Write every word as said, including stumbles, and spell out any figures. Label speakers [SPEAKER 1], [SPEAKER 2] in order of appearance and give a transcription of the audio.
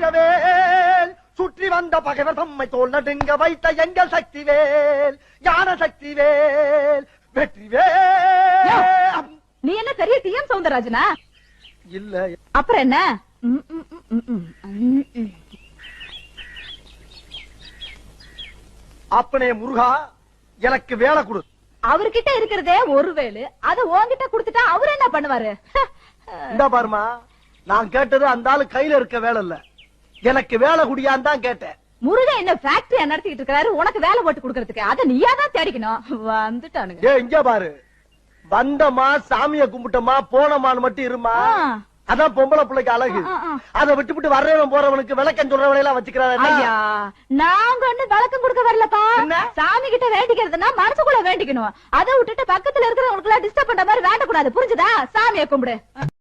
[SPEAKER 1] தங்கவேல் சுற்றி வந்த பகைவர் தம்மை தோல் நடுங்க வைத்த எங்கள் சக்திவேல் ஞான சக்திவேல் வெற்றிவேல்.
[SPEAKER 2] நீ என்ன பெரிய டி எம் சௌந்தரராஜனா?
[SPEAKER 1] இல்ல.
[SPEAKER 2] அப்புறம் என்ன?
[SPEAKER 1] அப்பனே முருகா எனக்கு வேலை கொடு.
[SPEAKER 2] அவர்கிட்ட இருக்கிறதே ஒரு வேலு, அத உன்கிட்ட குடுத்துட்டா அவரு என்ன பண்ணுவாரு?
[SPEAKER 1] இந்த பாருமா, நான் கேட்டது அந்த ஆளு கையில இருக்க வேலை இல்ல, எனக்கு வேலை குடியான்னு தான் கேட்டேன்.
[SPEAKER 2] முருகன் என்ன ஃபேக்டரி நடத்திட்டு இருக்காரு, உனக்கு வேலை போட்டு கொடுக்கறதுக்கு. அத நீயா தான் தேடிக்கணும். வந்துட்டானுங்க.
[SPEAKER 1] ஏ இங்க பாரு, வந்தமா சாமிய கும்பிட்டமா போனமான்னு மட்டும் இருமா. அதான் பொம்பளை பிள்ளைக்கு அழகு. அதை விட்டு விட்டு வர்றவன் போறவனுக்கு விளக்கம் சொல்றவனை எல்லாம் வச்சுக்கிறாரு.
[SPEAKER 2] நாங்க ஒண்ணு விளக்கம் கொடுக்க வரலப்பா. சாமி கிட்ட வேண்டிக்கிறதுனா மனசுக்குள்ள வேண்டிக்கணும். அதை விட்டுட்டு பக்கத்துல இருக்கிறவங்களுக்கு எல்லாம் டிஸ்டர்ப் பண்ற மாதிரி வேண்டக்கூடாது. புரிஞ்சுதா? சாமியை கும்பிடு.